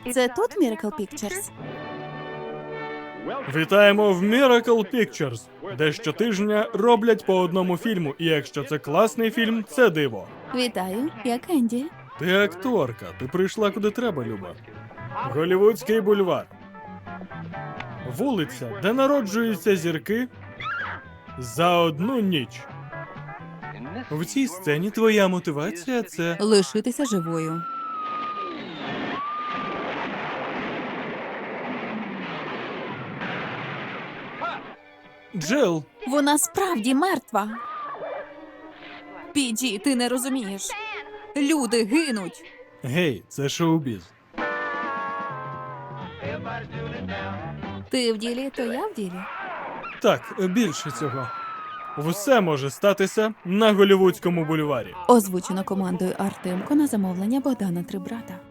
Це тут Miracle Pictures? Вітаємо в Miracle Pictures, де щотижня роблять по одному фільму, і якщо це класний фільм, це диво. Вітаю, я Кенді. Ти акторка, ти прийшла куди треба, Люба. Голлівудський бульвар. Вулиця, де народжуються зірки за одну ніч. В цій сцені твоя мотивація – це... Лишитися живою. Джел, Вона справді мертва. Піді, ти не розумієш. Люди гинуть. гей, це шоу-біз. Ти в ділі, то я в ділі. Так, більше цього. Все може статися на Голлівудському бульварі. Озвучено командою Артемко на замовлення Богдана Трибрата.